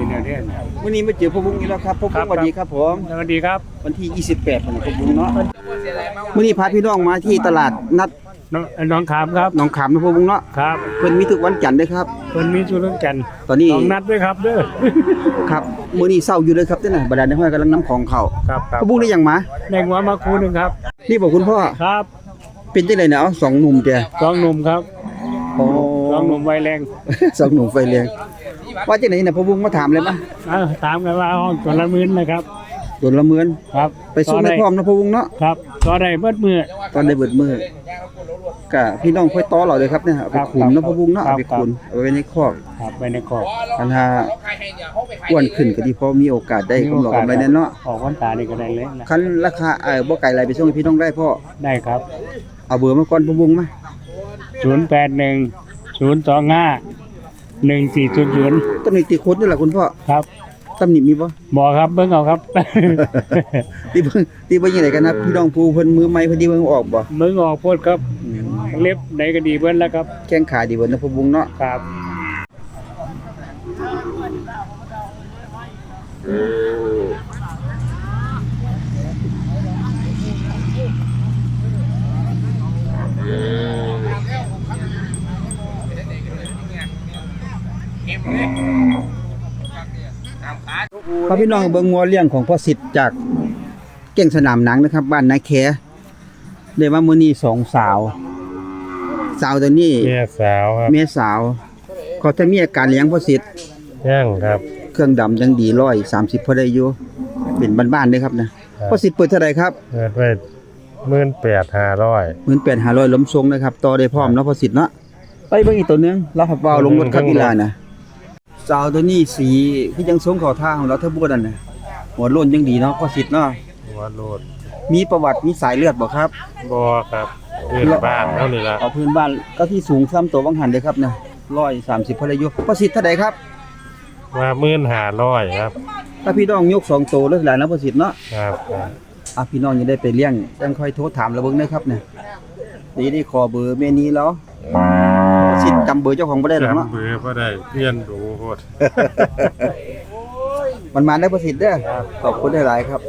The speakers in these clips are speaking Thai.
เนี่ยเนี่ยวันนี้มาเจอพ่อบุ้งอีกแล้วครับพ่อบุ้งสวัสดีครับผมสวัสดีครับวันที่28ของพ่อบุ้งเนาะวันนี้พาพี่น้องมาที่ตลาดนัดน้องขามครับหนองขามนะพ่อบุ้งเนาะครับเพิ่นมีทุกวันจันทร์เด้อครับคนมีสุรจันทร์ตอนนี้ต้องนัดด้วยครับเด้อครับมื้อนี้เช้าอยู่เลยครับเด้อน่ะบรรดาในห้อยกำลังนำของเข้าครับครับพ่อบุ้งได้หยังมาแดงหัวมาคูหนึ่งครับนี่บอกคุณพ่อครับเป็นจังได๋เนาะ2หนุ่มแกสองหนุ่มครับโอ้สองหนุ่มไวแรง 2หนุ่มไฟแรงว่าจังได๋น่ะพ่อบุ้งมาถามเลยมาถามกันว่าห้องตัวละหมื่นนะครับโดนละเมือนครับไปส่งให้พร้อมนะพ่อบุ้งเนาะครับต่อได้เบิดมือตอนได้เบิดมื้อก็พี่น้องค่อยต่อเราเลยครับเนี่ยเอาไปขุนเนาะพ่อบุ้งเนาะเอาไปขุนเอาไว้ในคอกครับไปในคอกอันถ้าอ้วนขึ้นก็ดีเพราะมีโอกาสได้กำไรกำไรแน่เนาะออกวันตานี่ก็ได้เลยนะคันราคาบ่ไกลไรไปส่งให้พี่น้องได้พ่อได้ครับเอาเบอร์มาก่อนพ่อบุ้งมา 081 025 1400 ตำหนิติโคตรนี่แหละคุณพ่อครับตำหนิมีบ่บอกครับเบิ่งเอาครับตีเบิ่งยังไงกันนะพี่น้องผู้เพิ่นมือใหม่เพิ่นดีเบิ่งออกบ่มึงออกโพดครับ เล็บไหนก็ดีเบิ้ลแล้วครับแข้งขาดีเบิ่นะพ่อบุ้งเนาะครับพาพี่น้องเบิ่งงัวเลี้ยงของพ่อสิทธิ์จากเก่งสนามหนังนะครับ บ้านนาแคได้มามื้อนี้2สาวตัวนี้เมียสาวครับเมียสาวเขาจะมีอาการเลี้ยงพ่อสิทธิ์ย่างครับเครื่องดำยังดี130พอได้อยู่เป็นบ้านๆเด้ครับนะพ่อสิทธิ์เปิดเท่าไหร่ครับเปิดไว้18,500 18,500ล้มทรงนะครับต่อได้พร้อมเนาะพ่อสิทธิ์เนาะไปเบิ่งอีกตัวหนึงเราขับเบาลงรถครับอีหลานะสาวตัวนี้สีคือยังทรงเข้าทางของเราเท่าบ่นั่นน่ะหัวโล้นยังดีเนาะพ่อสิทธิ์เนาะหัวโลดมีประวัติมีสายเลือดบ่ครับบ่ครับพื้นบ้านเท่านี้ละเอาพื้นบ้านก็ที่สูงซ้ำตัววังหันเด้ครับนะ130พอได้อยู่พ่อสิทธิ์เท่าใดครับว่า15,500ครับถ้าพี่น้องยก2ตัวเลยหลายนะพ่อสิทธิ์เนาะครับครับพี่น้องยังได้ไปเลี้ยงจังค่อยโทรถามระเบิ่งนะครับเนี่ยได้ขอเบอร์แม่นี้แล้วสิทธิ์จำเบอร์เจ้าของบ่ได้หรอกเนาะจำเบอร์บ่ได้เปลี่ยนดูโพดมันมาได้ประสิทธิ์เด้อขอบคุณหลายๆครับ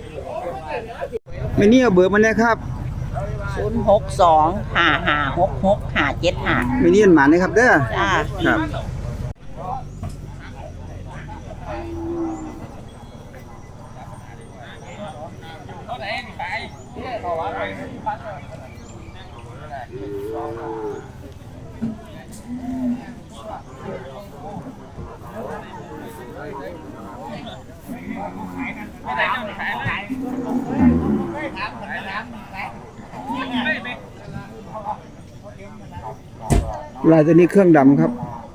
แม่นี้เอาเบอร์มาแน่ครับ 06255665575 แม่นี้มันมาได้ครับเด้อจ้าครับลายตัวนี้เครื่องดำครับ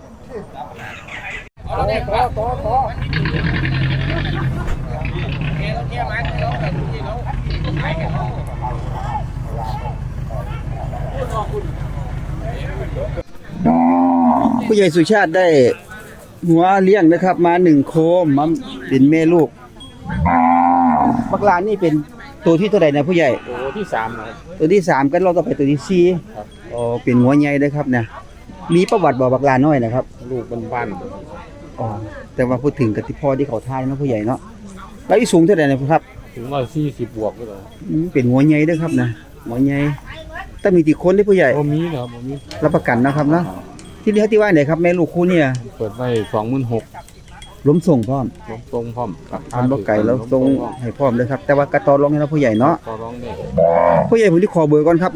ผู้ใหญ่สุชาติได้หัวเลี้ยงนะครับมา1โคมมาเป็นแม่ลูกบักลานนี่เป็นตัวที่เท่าไหร่นะผู้ใหญ่ตัวที่3นะครับตัวที่3กันเราต่อไปตัวที่4ครับอ๋อเป็นหัวใหญ่เด้อครับเนี่ยมีประวัติบ่บักลาน้อยนะครับลูกบ้านอ๋อแต่ว่าพูดถึงกติพ่อที่เขาทายเนาะผู้ใหญ่เนาะแล้วอีสูงเท่าไหร่นะครับถึง140บวกก็ได้เป็นหัวใหญ่เด้อครับนะหัวใหญ่แต่มีกี่คนเด้อผู้ใหญ่บ่มีครับบ่มีรับประกันนะครับเนาะที่นี่เขาที่ว่าไหนครับแม่ลูกคู่เนี่ยเปิดไว้26,000 ล้มส่งพร้อมลงตรงพร้อมทำบ่ไก่แล้วส่งให้พร้อมเลยครับแต่ว่ากระตอรองให้เราผู้ใหญ่เนาะต่อรองได้ผู้ใหญ่ผมที่ขอเบอร์ก่อนครับมา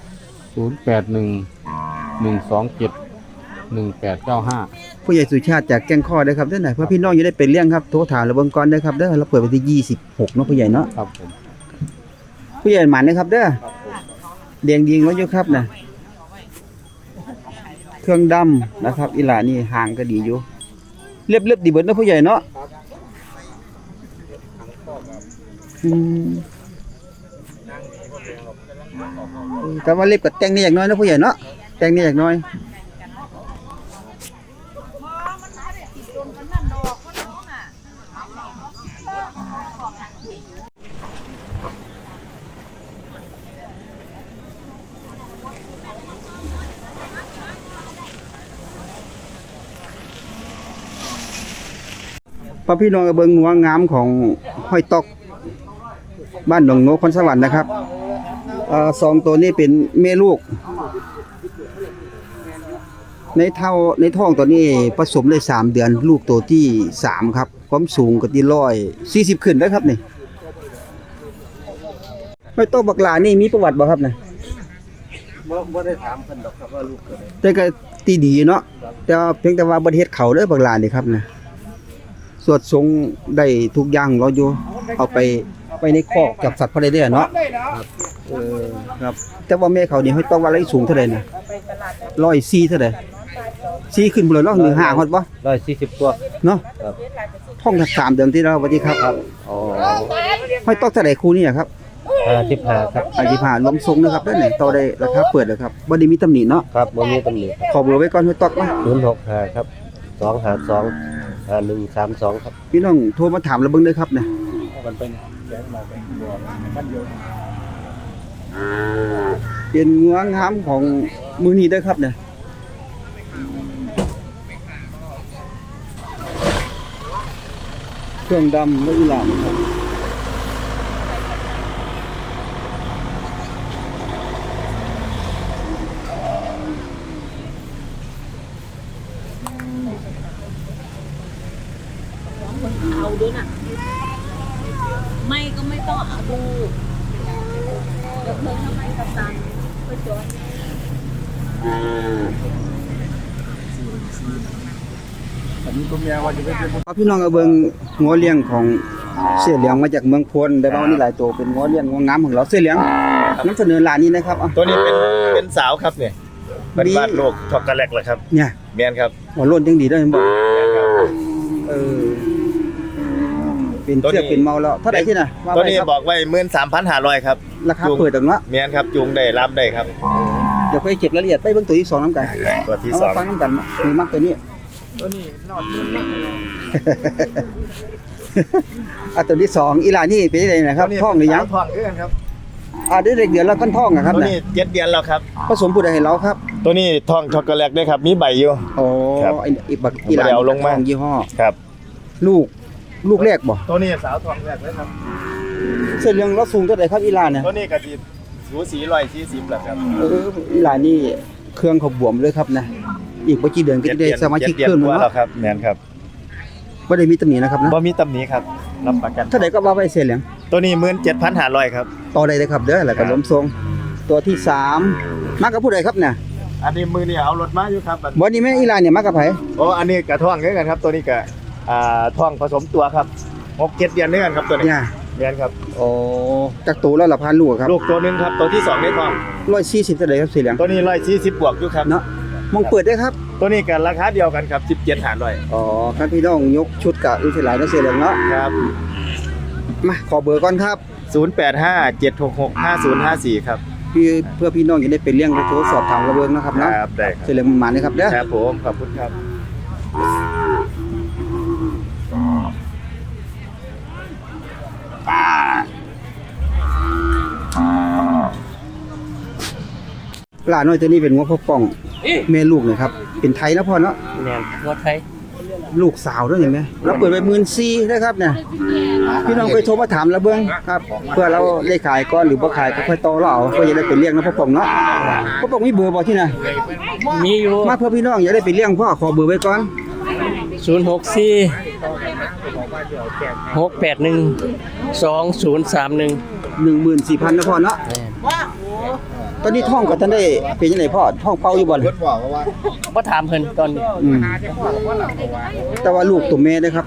0811271895 ผู้ใหญ่สุชาติจากแก้งข้อเด้อครับเด้อไหนเพื่อพี่น้องจะได้เป็นเลี้ยงครับโทรถามระเบิงก่อนเด้อครับเด้อเราเปิดวันที่26เนาะผู้ใหญ่เนาะครับผมผู้ใหญ่หมานนะครับเด้อเดียงดีงแล้วอยู่ครับนะเครื่องดำนะครับอีหลานี่ห่างก็ดีอยู่เรียบดีเบิดเนาะผู้ใหญ่เนาะแต่ว่าเล็บกับแต่งนี่อย่างน้อยนะผู้ใหญ่เนาะแต่งนี่อย่างน้อยพอพี่น้องก็เบิ่งงัวงามของห้อยตอกบ้านหนองโนคอนสวรรค์นะครับสองตัวนี้เป็นแม่ลูกในท้องตัวนี้ผสมได้3 เดือนลูกตัวที่3ครับความสูงก็ที่140ขึ้นแล้วครับนี่ห้อยตอกบักหลานี่มีประวัติบ่ครับนะบ่ได้ถามเพิ่นดอกครับว่าลูกเกิดแต่ก็ตีดีเนาะแต่เพียงแต่ว่าบ่เฮ็ดเขาเด้อบักหลานี่ครับนะสวดทรงได้ทุกอย่างรออยู่เอาไปในคอกจับสัตว์พอได้เด้อเนาะครับแต่ว่าแม่เขานี่ห้อยตอกว่าอะไรสูงเท่าใดนะ104เท่าใด4ขึ้นบ่เลยเนาะหรือ5ฮอดบ่ 140ตัวเนาะท้อง3 เดือนที่แล้วสวัสดีครับอ๋อห้อยตอกเท่าใดคู่นี้ครับ 55ครับ 55รวมทรงนะครับด้านไหนต่อได้ราคาเปิดเลยครับบ่ได้มีตำหนิเนาะครับบ่มีตำหนิขอเบอร์ไว้ก่อนห้อยตอกมา 065ครับ252 5132ครับพี่น้องโทรมาถามเราเบิ่งเด้อครับเนี่ยมันเป็นแจ้งมาเป็นบัวมันเยอะเป็นงัวงามของมื้อนี้เด้อครับเนี่ยเครื่องดำและอีหลามครับเอาด้วยนะไม่ก็ไม่ต้องเอาดูเดี๋ยวเพิ่งทำไมกับตันก็จดพี่น้องเอาเบิ่งงัวเลี้ยงของเสี่ยเหลียงมาจากเมืองพลได้บ่านี่หลายตัวเป็นงัวเลี้ยงงัวงามของเราเสี่ยเหลียงนำเสนอร้านนี้นะครับตัวนี้เป็นสาวครับเนี่ยเป็นบ้านโลกช็อกโกแลตเหรอครับเนี่ยแม่นครับหัวโล้นจังดีได้บ่เป็นเสื้อเป็นเมาแล้วเท่าไหร่ที่น่ะตัวนี้บอกไว้ 13,500 ครับราคาเปิดจังเนาะแม่นครับจูงได้รับได้ครับเดี๋ยวค่อยเก็บรายละเอียดไปเบิ่งตัวที่2นำกันตัวที่2 ฟังนำกันมีมักตัวนี้นอดตัวที่2อีหลานี่เป็นจังได๋นะครับท้องหรือยังท้องคือกันครับได้เดือนแล้วกันท้องครับตัวนี้7 เดือนแล้วครับผสมผู้ใดให้เราครับตัวนี้ท้องช็อกโกแลตด้วยครับมีใบอยู่อ๋อบักอีหลาท้องยี่ห้อครับลูกแรกบ่ตัวนี้สาวท้องแรกเลยครับเส้นเรื่องเราสูงเท่าใดครับอีหลาเนี่ยตัวนี้ก็สิสูสี140แล้วครับอีหลานี่เครื่องเขาบวมเลยครับนะอีกบ่กี่เดือนก็จะได้สมาชิกเพิ่มแล้วครับแม่นครับบ่ได้มีตำหนินะครับนะบ่มีตำหนิครับรับประกันเท่าใดก็ว่าไว้เส้นเหลืองตัวนี้ 17,500 ครับต่อได้เลยครับเด้อแล้วก็ล้มทรงตัวที่3มากับผู้ใดครับเนี่ยอันนี้มือนี่เอารถมาอยู่ครับบ่นี่แม่อีหลาเนี่ยมากับไผอันนี้กระท้องคือกันครับตัวนี้ก็ท้องผสมตัวครับ6-7 เดือนด้วยกันครับตัวนี้เดือนครับจากตัวแล้วละพันลูกครับลูกตัวนึงครับตัวที่2ในท้อง 140เท่าใดครับสีเหลืองตัวนี้140บวกอยู่ครับเนาะมองเปิดได้ครับตัวนี้กันราคาเดียวกันครับ17,500 ครับพี่น้องยกชุดกับอีกหลายเนาะสีเหลืองเนาะครับมาขอเบอร์ก่อนครับ 0857665054ครับเพื่อพี่น้องจะได้ไปเลี้ยงไปโทรสอบถามระเบิงนะครับเนาะครับได้สีเหลืองมาเลยครับเด้อครับผมขอบคุณครับปลาน้อยตัวนี้เป็นงัวพ่อป่องแม่ลูกนะครับเป็นไทยนะพ่อเนาะแม่นงัวไทยลูกสาวด้วยเห็นไหมเราเปิดไป14,000นะครับเนี่ยพี่น้องไปโทรมาถามระเบิงครับเพื่อเราได้ขายก่อนหรือบ่ขายก็ค่อยต่อเราเอาเพื่อจะได้ไปเลี้ยงนะพ่อป่องเนาะพ่อป่องมีเบอร์บ่ที่ไหนมีอยู่มาเพื่อพี่น้องอยากได้ไปเลี้ยงพ่อขอเบอร์ไว้ก่อน 064 681 2031 14,000นะพ่อเนาะตอนนี้ท้องก็ท่านได้เป็นจังได๋พ่อท้องเป่าอยู่บ่บ่ถามเพิ่นตอนนี้แต่ว่าลูกตัวแม่เด้อครับ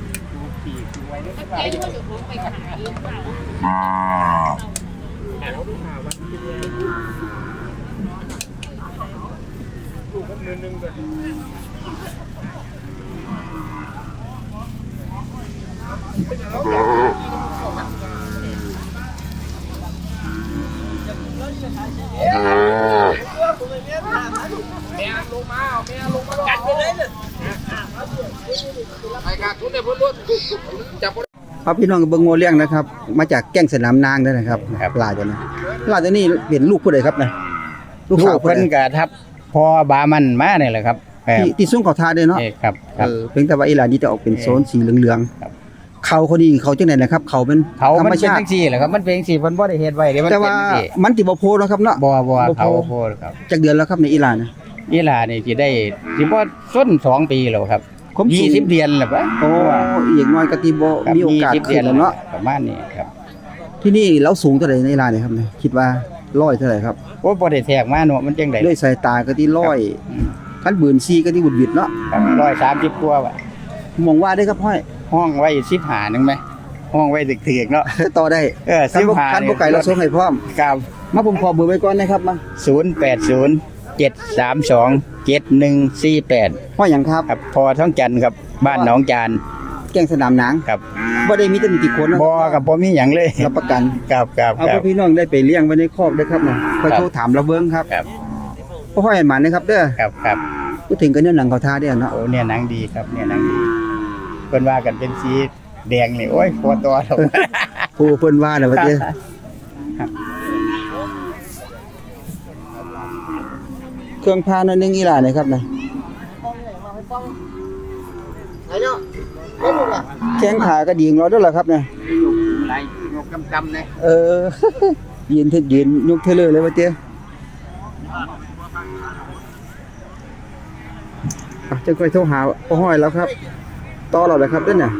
ครับพี่น้องเบิ่งงัวเลี้ยงนะครับมาจากแก้งสนามนางด้วยนะครับปลาตัวนี้เป็นลูกผู้ใดครับนะลูกเพิ่นก็ทับพอบามันมานี่แหละครับที่สูงเขาทาเด้อเนาะครับครับเพียงแต่ว่าอีหลานนี่จะออกเป็นโซนสีเหลืองครับๆเขาคนนี้เขาจังได๋นะครับ เขาเป็นเขาธรมันรมเป็นชาจัติงซี่แหละครับมันเป็นจังซี่เพิ่นบ่ได้เฮ็ดไว้เด้มันแต่เป็นว่าจังซี่มันสิบ่โพเนาะครับเนาะบ่บ่เขาโพโพดครับจักเดือนแล้วครับในอีหลานน่ะอีหลานี่สิได้สิบ่ส้น2 ปีแล้วครับความสูง 20 เดือนแล้วปะโอ้อีกน้อยก็สิบ่ครับมีโอกาส 20 ขึ้นแล้วเนาะประมาณนี้ครับที่นี่เราสูงเท่าใดในอีหลานเนี่ยครับเนี่ยคิดว่า100เท่าไหร่ครับโอ้บ่ได้แทรกมาเนาะมันจังได๋ด้วยสายตาก็ที่100คันบืนซีก็ที่บุดบิดเนาะครับ130กว่าว่ะมองว่าได้ครับห้อยห้องไว้15นึงไหมห้องไว้ถึกๆเนาะต่อได้ คันบ่ 15 คันบ่ไก่เราส่งให้พร้อมครับมาผมขอเบอร์ไว้ก่อนนะครับมา 0807327148 ห้อยหยังครับครับพอท้องจันทร์ครับบ้านหนองจานแกงสนามหนังครับบ่ได้มีแต่มีกี่คนนะบ่กับบ่มีหยังเลยรับประกันครับครับเอาคพรัวบกพี่น้องได้ไปเลี้ยงไว้ในคอกด้วยครับนะคอยโทรถามเราเบิ่งครับครับบ่ห้อยหมันนะครับเด้อครับครับพูดถึงกันเนื้อหนังเขาทาเด้อเนาะโอ้เนี่ยหนังดีครับเนี่ยหนังดีเพิ่นว่ากันเป็นสีแดงนี่โอ้ยพอตัวแล้วผู้เพิ่นว่าน่ะว่าเด้อเครื่องพาหน่อยหนึงอีหล่านะครับนะแข้งขาก็ดีของเราเด้อล่ะครับนะไรงกกำๆเลยเออ ยืนยกเทเลอร์เลยว่าเจ้จะค่อยโทรหาพ่อห้อยแล้วครับต่อเราเลยครับเด้อน่ะ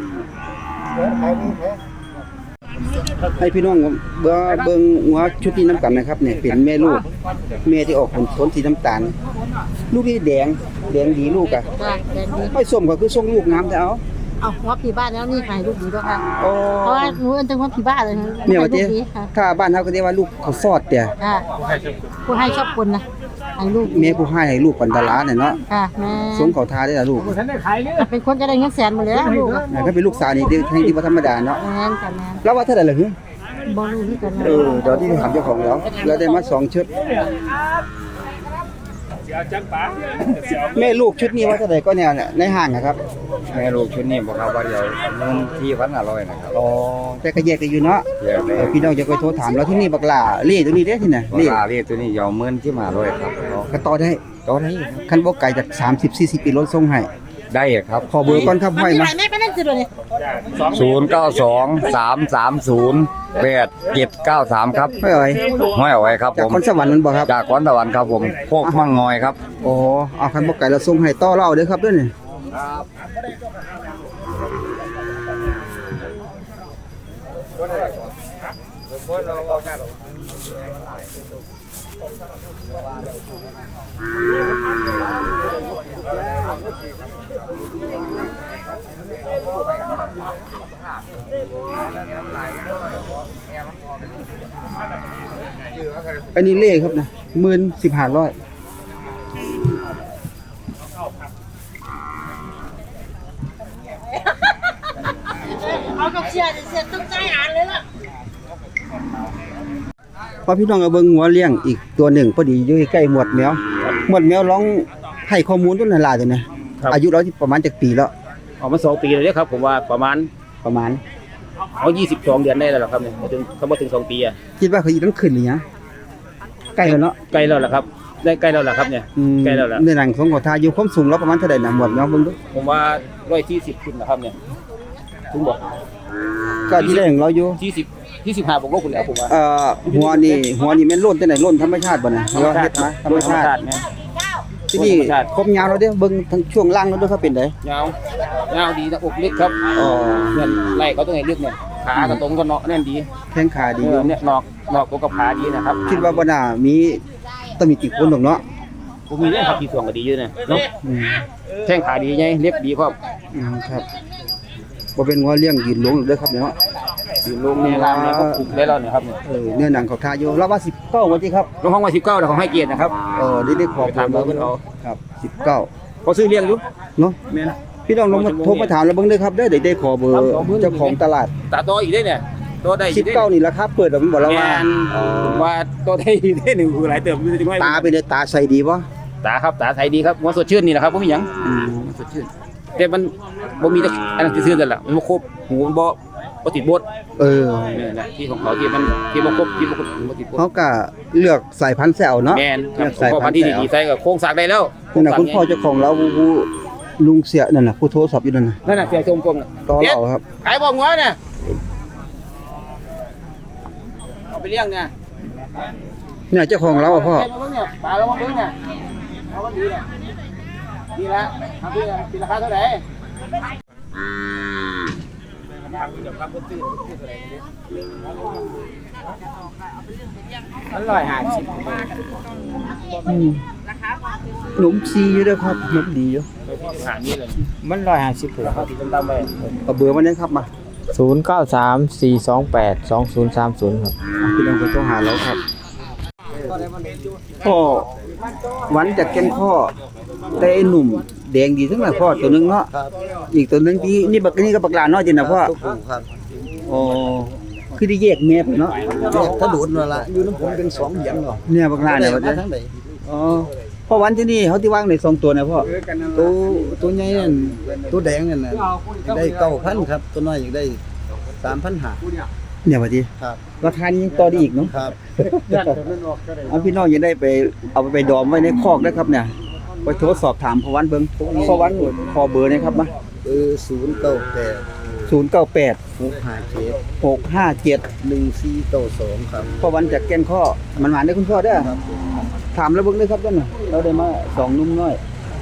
ให้พี่น้องเบิ่งหัวชุดนี้น้ำกันนะครับเนี่ยเป็นแม่ลูกแม่ที่ออกผลขนสีน้ำตาลลูกนี่แดงดีลูกอ่ะจ้ะแดงดีไม่ส้มก็คือส่งลูกงามแต่เอาเอาหัวผีบ้านแล้วนี่ขายลูกดีด้วยค่ะโอ้เพราะว่าหนูเอิ้นจังว่าผีบ้านเลยนะเนี่ยว่าลูเจ้กดีค่ะถ้าบ้านเฮาก็เรียกว่าลูกเขาฟอดเตี่ยค่ะผู้ให้ชอบคนนะให้ลูกแม่ผู้ให้ลูกปันตลาเนี่ยเนาะค่ะแม่สงเขาทาได้ล่ะลูกเป็นคนจะได้เงินแสนหมดแล้วลูกอะถ้าเป็นลูกสาวนี่ที่บ่ธรรมดาเนาะแม่นค่ะแม่นแล้วว่าเท่าไหร่ล่ะฮึบ่รู้ที่กันนะเดี๋ยวที่ถามเจ้าของแล้วได้มา2ชุดแม่ลูกชุดนี้ว่าเท่าไหร่ก็แนวเนี่ยในห้างนะครับแม่ลูกชุดนี้บอกครับว่าเดี๋ยวเงินที่1,500นะครับอ๋อแต่ก็แยกกันอยู่เนาะเดี๋ยวเลยพี่น้องจะไปโทรถามแล้วที่นี่บักหล่าเล่ตัวนี้เด้ที่ไหนเรีเล่ยกตัวนี้ยาวเงินที่500ครับก็ต่อได้ต่อได้คันบ่ไกลจาก30-40กิโลส่งให้ได้ครับขอเบอร์ก่อนครับห้อยมีมาหลายแม่ไปนั่นสิเลย 0923308793ครับห้อยเอ้ยห้อยเอาไว้ครับจากผมคนสวรรค์นั่นบ่ครับจากขอนตะวันครับผมโคกมั่งงอยครับโอ้เอาคันบ่ไกลเราส่งให้ต่อเราเด้อครับเด้อนี่อันนี้เล่ครับนะ15,500 เอากับเสียต้องใจอ่านเลยล่ะพอพี่น้องเอาเบิ่งหัวเลี้ยงอีกตัวหนึ่งพอดีอยู่ใกล้หมวดแมวร้องให้ข้อมูลต้นหลายๆตัวนะอายุเราที่ประมาณจักปีแล้วออกมา2 ปีแล้วครับผมว่าประมาณเอา22 เดือนได้แล้วล่ะครับเนี่ยถึงเขาบ่ถึง2 ปีอ่ะคิดว่าเขาอีต้องขึ้นหรือยังใกล้แล้วเนาะใกล้แล้วล่ะครับได้ใกล้แล้วล่ะครับเนี่ยใกล้แล้วล่ะในหนังของขอทาอยู่ความสูงเราประมาณเท่าใดน่ะหมวดแมวเบิ่งดูผมว่า140ขึ้นนะครับเนี่ยถึงบอกก็ที่ได้ของเราอยู่ 25บวกลบคุณแล้วผมว่าหัวนี่แม่นโล้นแต่ไหนโล้นธรรมชาติบ่น่ะหรือว่าเฮ็ดมาธรรมชาติเนี่ยที่นี่ครบยาวเราเด้อเบิ่งทั้งช่วงล่างเราด้วยเขาเป็นไดยาวยาวดีนะอกเล็กครับอ๋อเนี่ยไล่เขาตรงไหนเล็กเนี่ยขากระตรงก็เนาะแน่นดีแข้งขาดีอยู่เนี่ยนอกตัวกับขาดีนะครับคิดว่าบ่น่ามีต้องมีติคนดอกเนาะผมมีเรื่องขับขี่ส่วงก็ดีอยู่เนี่ยเนาะอืมแข้งขาดีไงเล็บดีพร้อมครับบ่เป็นหัวเลี้ยงยืนหลงเด้อครับเนาะอยู่ลงเนี่ยรามเนี่ยก็ปลูกได้แล้วเนี่ยครับเนี่ยเนื้อหนังเขาทาอยู่เราว่า19ว่าติครับลงห้องว่า19แต่เขาให้เกียรตินะครับได้ขอไปถามเราเพิ่นเอาครับ19 เขาซื้อเลี้ยงอยู่เนาะแม่นพี่น้องลองมาโทรมาถามเราเบิ่งเด้อครับเด้อได้ขอเบอร์เจ้าของตลาดตาโตอีกได้เนี่ยโตได้อีกได้ 19นี่ราคาเปิดแล้วมันบอกเราว่าแม่นผมว่าโตได้อีกได้หนึ่งคือหลายเติมจริงไหมตาเป็นไงตาใสดีบ่ตาครับตาใสดีครับหัวสดชื่นนี่แหละครับบ่มีหยังสดชื่นแต่มันบ่มีแต่อันนั้นซื่อๆนั่นแหละมันบ่ครบหูมันบ่บ่ติดบด นี่แหละที่ของเขาที่มันที่บ่ครบบ่ติดบดเขาก็เลือกสายพันธุ์แซวเนาะแม่นคเลืรัอบ กสายพ่อพัพันนธุ์ธุ์ที่แซวดีๆใส่ก็โครงสร้างได้แล้วนั่นน่ะคุณพ่อเจ้าของเราผู้ลุงเสียนั่นน่ะผู้โทรศัพท์อยู่นั่นน่ะนั่นน่ะเสียชมกลมน่ะต่อเราครับขายบ่งัวเนี่ยเอาไปเลี้ยงเนี่ยเนี่ยเจ้าของเราอะพ่อเบิ่งเนี่ยปลาเรามาเบิ่งเนี่ยเอามันดีเนี่ยดีละทำดีละราคาเท่าไหร่มัน150 หนุ่มซีอยู่เด้อครับหนุ่มดีอยู่หานี่เลยมัน150 ราคาที่ตำๆไปเอาเบอร์มาเนี่ยครับมา 0934282030ครับพี่น้องก็ต้องหาเราครับพ่อหวันจากแก่นข้อแต่ไอ้หนุ่มแดงดีทั้งหลายพ่อตัวหนึงเนาะอีกตัวหนึงที่นี่บักนี่ก็บักหลานน้อยจริงนะพ่อครับอ๋อคือได้แยกแม่ไปเนาะถ้าดูดนั่นละอยู่น้ำผมเป็น2เหรียญเนาะเนี่ยบักหลานเนี่ยว่าทั้งใดอ๋อพ่อหวันที่นี่เขาที่ว่างใน2ตัวนะพ่อตัวใหญ่นั่นตัวแดงนั่นน่ะได้9,000ครับตัวน้อยอยากได้3,500 เนี่ยว่าติครับราคานี้ยังต่อได้อีกเนาะครับเอาพี่น้องยังได้ไปเอาไปดอมไว้ในคอกนะครับเนี่ยไปโทรสอบถามพ่อหวันเบิ่งพ่อหวันขอเบอร์หนะครับมา 098 098 657 657 1492ครับพ่อวันจากแก่นข้อมันหวานได้อคุณพ่อเด้อถามแล้วเบิ่งเลยครับเด้อน่ะเราได้มา2นุ่มน้อย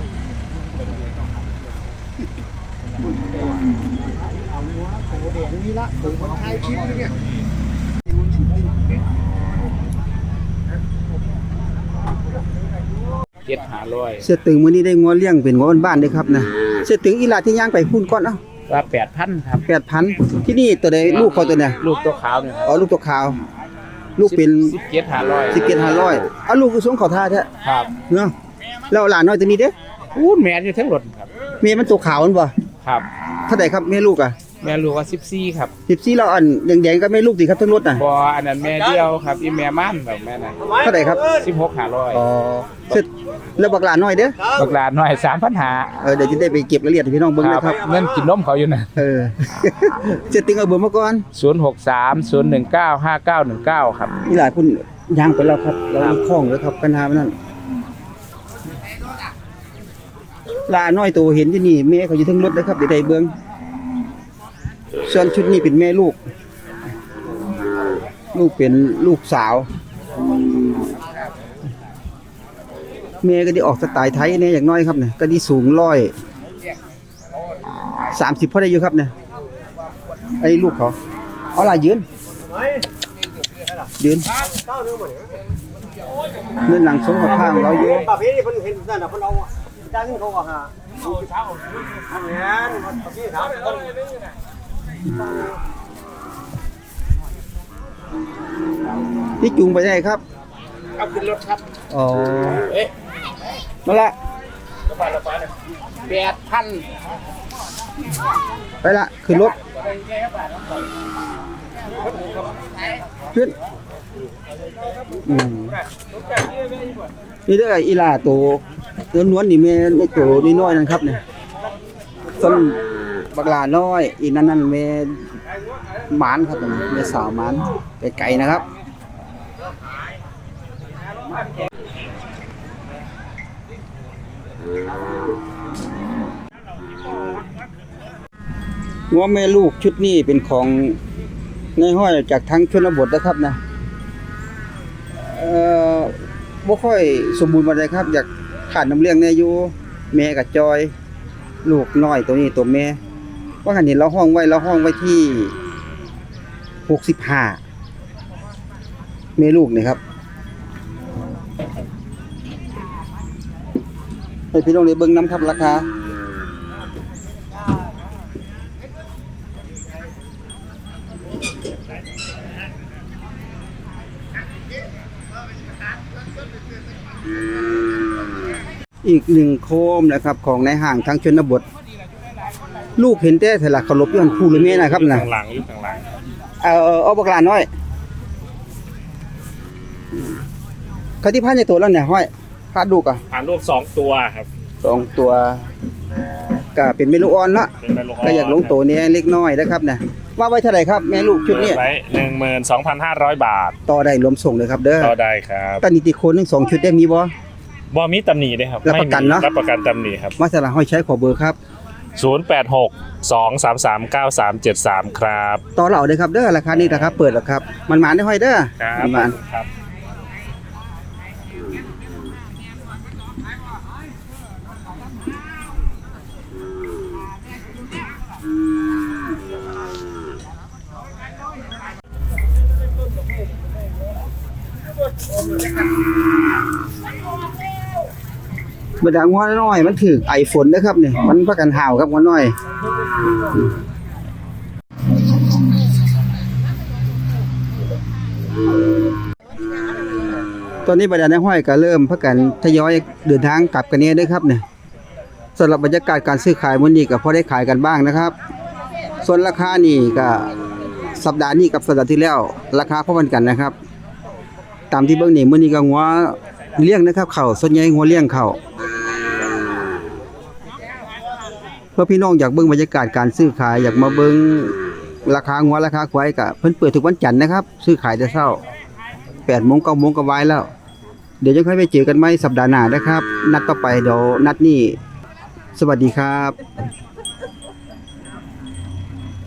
เสียตึงมื้อนี้ได้งัวเลี้ยงเป็นงัวบ้านๆเด้อครับนะเสียตึงอีหลาที่ย่างไปพุ่นก่อนเอ้าว่า 8,000 ครับ 8,000ที่นี่ตัวใดลูกเขาตัวเนี่ยลูกตัวขาวเนี่ยอ๋อลูกตัวขาว ลูกเป็น 17,500 17,500เอาลูกคือสงเขาท่าแท้ครับเนาะแล้วหลานน้อยตัวนี้เด้ออู้แม่นอยู่ทั้งรถครับเมียมันตัวขาวมันบ่ครับเท่าใดครับแม่ลูกอ่ะแม่ลูกว่า14ครับ 14เราอันแดงๆก็แม่ลูกสิครับทั้งรถน่ะบ่อันนั้นแม่เดียวครับอีแม่ม่านแบบแม่น่ะเท่าใดครับ 16,500 อ๋อเสร็จแล้วบักหลานน้อยเด้อบักหลานน้อย 3,500 เดี๋ยวจะได้ไปเก็บรายละเอียดให้พี่น้องเบิ่งนะครับเงินกินนมเขาอยู่น่ะเสร็จตึงเอาเบอร์มาก่อน 063 019 5919 ครับนี่หลายพุ่นย่างไปแล้วครับ เรามีข้องแล้วครับปัญหามันนั่นลาน้อยตัวเห็นที่นี่แม่เขาอยู่ทั้งรถนะครับเดี๋ยวได้เบิ่งส่วนชุดนี้เป็นแม่ลูก ลูกเป็นลูกสาว แม่ก็ได้ออกสไตล์ไทยเนี่ยอย่างน้อยครับเนี่ยก็ได้สูง130พอได้อยู่ครับเนี่ยไอ้ลูกเขาเอาล่ะยืนเนื้อหนังสมกับข้างเราอยู่ประเภทนี้เพิ่นเห็นนั่นน่ะเพิ่นเอาจ้างเขาก็หาอันนั้นประเภทถามเพิ่นที่จูงไปได้ครับเอาขึ้นรถครับอ๋อเอ๊ะนั่นละ 8,000 ไปละขึ้นรถขึ้นนี่เด้ออีหลาตัวล้วนๆนี่แม่ในตัวน้อยๆนั่นครับเนี่ยต้นบักหลาน้อยอีนั่นแม่หมานครับแม่สาวหมานไกลๆนะครับ งัวแม่ลูกชุดนี้เป็นของในห้อยจากทางชนบทนะครับนะบ่ค่อยสมบูรณ์ปานใดครับ อยากขาดน้ำเลี้ยงแน่อยู่แม่กับจอย ลูกน้อยตัวนี้ตัวแม่ว่ากันเห็นเราห้องไว้ที่65แม่ลูกนี่ครับให้พี่น้องได้เบิ่งนํครับราคา อีกหนึ่งโคมนะครับของในห้างทางชนบท ลูกเห็นแต่ถลักเขาลบย้อนคู่หรือแม่นะครับนะข้างหลังอยู่ข้างหลังเอาบักหลานน้อยเขาที่พานในตัวแล้วเนี่ยห้อยพาดลูกอ่ะผ่านลูก2ตัวครับ 2ตัวก็เป็นเมลูกอ่อนละเป็นแม่ลูกก็อยากลงโตเนี่ยเล็กน้อยนะครับนะว่าไว้เท่าไหร่ครับแม่ลูกชุดนี้ไว้ 12,500 บาทต่อได้รวมส่งเลยครับเด้อต่อได้ครับตอนนี้ติโคนทั้ง2ชุดได้มีบ่บ่มีตำหนิด้วยครับรับประกันเนอะรับประกันตำหนิครับมาสละห้อยใช้ขอเบอร์ครับ 086-233-9373 ครับต่อเหล่าเลยครับเด้อราคานี้นะครับเปิดแล้วครับมันหมานได้ห้อยเด้อครับมันหมานครับบดางัวน้อยมันถือไอฝนนะครับนี่มันประกันห่าวครับงัวน้อยตอนนี้บรรดาในห้อยก็เริ่มพักกันทยอยเดินทางกลับกันเนี่ยด้วยครับเนี่ยสำหรับบรรยากาศการซื้อขายมื้อนี้ก็พอได้ขายกันบ้างนะครับ ส่วนราคานี่ก็สัปดาห์นี้กับสัปดาห์ที่แล้วราคาพอกันนะครับ ตามที่เบิ่งนี่มื้อนี้ก็งัวเลี้ยงนะครับเข้าส่วนใหญ่งัวเลี้ยงเข้าเพื่อพี่น้องอยากเบิ่งบรรยากาศการซื้อขายอยากมาเบิ่งราคางัวราคาควายก็เพิ่นเปิดทุกวันจันทร์นะครับซื้อขายแต่เช้า 8 โมง 9 โมงก็วายแล้วเดี๋ยวจะค่อยไปเจอกันใหม่สัปดาห์หน้านะครับนัดต่อไปเดี๋ยวนัดนี้สวัสดีครับ